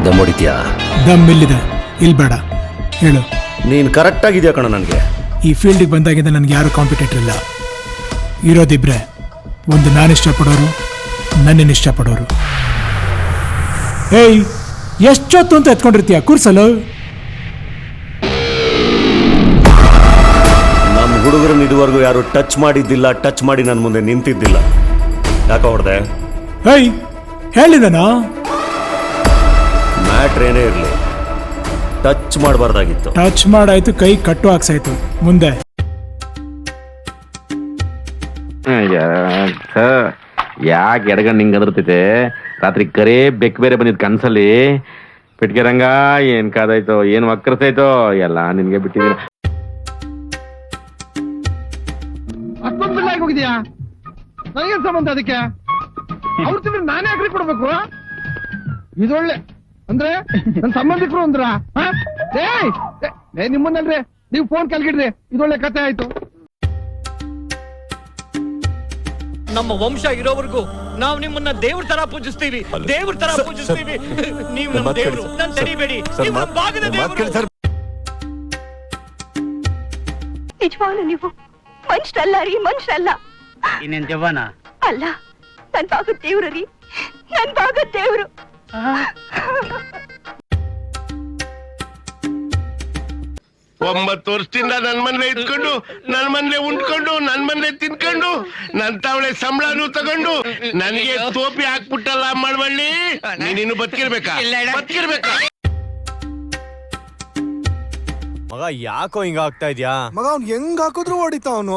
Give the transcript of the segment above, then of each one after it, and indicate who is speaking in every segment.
Speaker 1: ದಮ್ ಹೊಡಿತೀಯಾ?
Speaker 2: ದಮ್ ಇಲ್ಲಿದೆ, ಇಲ್ಲಿ ಬೇಡ. ಹೇಳು.
Speaker 1: ನೀನು ಕರೆಕ್ಟ್ ಆಗಿದ್ಯಾ ಕಣ. ನನಗೆ
Speaker 2: ಈ ಫೀಲ್ಡಿಗೆ ಬಂದಾಗಿಂದ ನನಗೆ ಯಾರು ಕಾಂಪಿಟೇಟರ್ ಇಲ್ಲ. ಇರೋದಿಬ್ರೆ, ಒಂದು ನಾನು ಇಷ್ಟಪಡೋರು, ನನ್ನನ್ನು ಇಷ್ಟಪಡೋರು. ಏಯ್, ಎಷ್ಟೊತ್ತು ಅಂತ ಎತ್ಕೊಂಡಿರ್ತೀಯ ಕೂರ್ಸಲು?
Speaker 1: ನಮ್ಮ ಹುಡುಗರನ್ನ ಇದುವರೆಗೂ ಯಾರು ಟಚ್ ಮಾಡಿದ್ದಿಲ್ಲ, ಟಚ್ ಮಾಡಿ ನನ್ನ ಮುಂದೆ ನಿಂತಿದ್ದಿಲ್ಲ. ಯಾಕೆ ಹೊಡೆದೆ?
Speaker 2: ಏಯ್, ಹೇಳಿದನಾ?
Speaker 1: ಮ್ಯಾಟ್ರ್ ಏನೇ ಇರಲಿ, ಟಚ್ ಮಾಡಬಾರ್ದಾಗಿತ್ತು.
Speaker 2: ಟಚ್ ಮಾಡಾಯ್ತು, ಕೈ ಕಟ್ಟು ಹಾಕ್ಸಾಯ್ತು. ಮುಂದೆ
Speaker 3: ಯಾಕೆ ಎಡಗಂಡು ಹಿಂಗೆ ಅದರ್ತೈತೆ? ರಾತ್ರಿ ಕರೇ ಬೆಕ್ ಬೇರೆ ಬಂದಿದ್ ಕನ್ಸಲ್ಲಿ. ಪಿಟ್ಕೆ ರಂಗ ಏನ್ ಕಾದಾಯ್ತೋ, ಏನ್ ವಕ್ರತೈತೋ ಎಲ್ಲ ನಿನ್ಗೆ ಬಿಟ್ಟಿದ್ದೀನಿ.
Speaker 4: ಅಷ್ಟೊಂದು ಬಿಲ್ ಆಗಿ ಹೋಗಿದ್ಯಾ? ನನಗೇನ್ ಸಂಬಂಧ ಅದಕ್ಕೆ? ಅವ್ರ ತಿಂದ್ರೆ ನಾನೇ ಅಗ್ರಿ ಕೊಡ್ಬೇಕು? ಇದೊಳ್ಳೆ ಅಂದ್ರೆ ನನ್ ಸಂಬಂಧಿಕರು ಅಂದ್ರ ನಿಮ್ಮನ್ನಲ್ರಿ, ನೀವು ಫೋನ್ ಕಲ್ಗಿಡ್ರಿ. ಇದೊಳ್ಳೆ ಕತೆ ಆಯ್ತು.
Speaker 5: ನಮ್ಮ ವಂಶ ಇರೋವರೆಗೂ ನಾವು ನಿಮ್ಮನ್ನ ದೇವ್ರ ತರ ಪೂಜಿಸ್ತೀವಿ, ದೇವ್ರ ತರ ಪೂಜಿಸ್ತೀವಿ. ನೀವು ನಮ್ಮ ದೇವ್ರು, ನನ್ನ ತಡಿಬೇಡಿ.
Speaker 6: ನಿಜವಾಗ್ಲೂ ನೀವು ಮನುಷ್ಯರಲ್ಲ ರೀ, ಮನುಷ್ಯರಲ್ಲ.
Speaker 7: ಇನ್ನೇನ್ ಜವಾನ
Speaker 6: ಅಲ್ಲ, ನನ್ ಭಾಗದ ದೇವ್ರು ರೀ, ನನ್ ಭಾಗದ ದೇವ್ರು.
Speaker 8: 9 ವರ್ಷದಿಂದ ನನ್ ಮನೆ ಇಟ್ಕೊಂಡು, ನನ್ ಮನೆ ಉಂಡ್ಕೊಂಡು, ನನ್ ಮನೆ ತಿನ್ಕೊಂಡು, ನನ್ ತಾವಳೆ ಸಂಬಳನು ತಗೊಂಡು ನನಗೆ ಟೋಪಿ ಹಾಕ್ಬಿಟ್ಟಲ್ಲ ಮಾಡ್ಬಳ್ಳಿ. ನೀನು ಬದುಕಿರ್ಬೇಕಾ? ಬದುಕಿರ್ಬೇಕಾ?
Speaker 9: ಮಗ ಯಾಕೋ ಹಿಂಗ ಆಗ್ತಾ ಇದ್ಯಾ?
Speaker 10: ಮಗ ಅವ್ನ್ ಹೆಂಗ್ ಹಾಕಿದ್ರು ಹೊಡಿತ ಅವನು.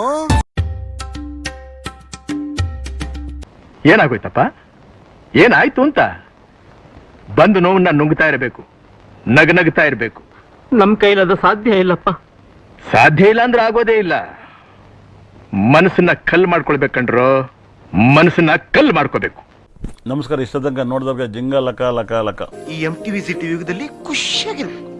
Speaker 3: ಏನಾಗೋಯ್ತಪ್ಪ? ಏನಾಯ್ತು ಅಂತ? ಬಂದು ನೋವನ್ನ ನುಂಗ್ತಾ ಇರಬೇಕು, ನಗನಗ್ತಾ ಇರಬೇಕು.
Speaker 7: ನಮ್ ಕೈಲದು ಸಾಧ್ಯ ಇಲ್ಲಪ್ಪ.
Speaker 3: ಸಾಧ್ಯ ಇಲ್ಲ ಅಂದ್ರೆ ಆಗೋದೇ ಇಲ್ಲ. ಮನಸ್ಸನ್ನ ಕಲ್ ಮಾಡ್ಕೊಳ್ಬೇಕಂಡ್ರು, ಮನಸ್ಸನ್ನ ಕಲ್ ಮಾಡ್ಕೋಬೇಕು.
Speaker 11: ನಮಸ್ಕಾರ. ಇಷ್ಟ ತನಕ ನೋಡಿದವ್ರಿಗೆ ಜಿಂಗ ಲಕ ಲಕ ಲಕ.
Speaker 8: ಈ MTV ಸಿಟಿ ಯುಗದಲ್ಲಿ ಖುಷಿಯಾಗಿರ್ಬೇಕು.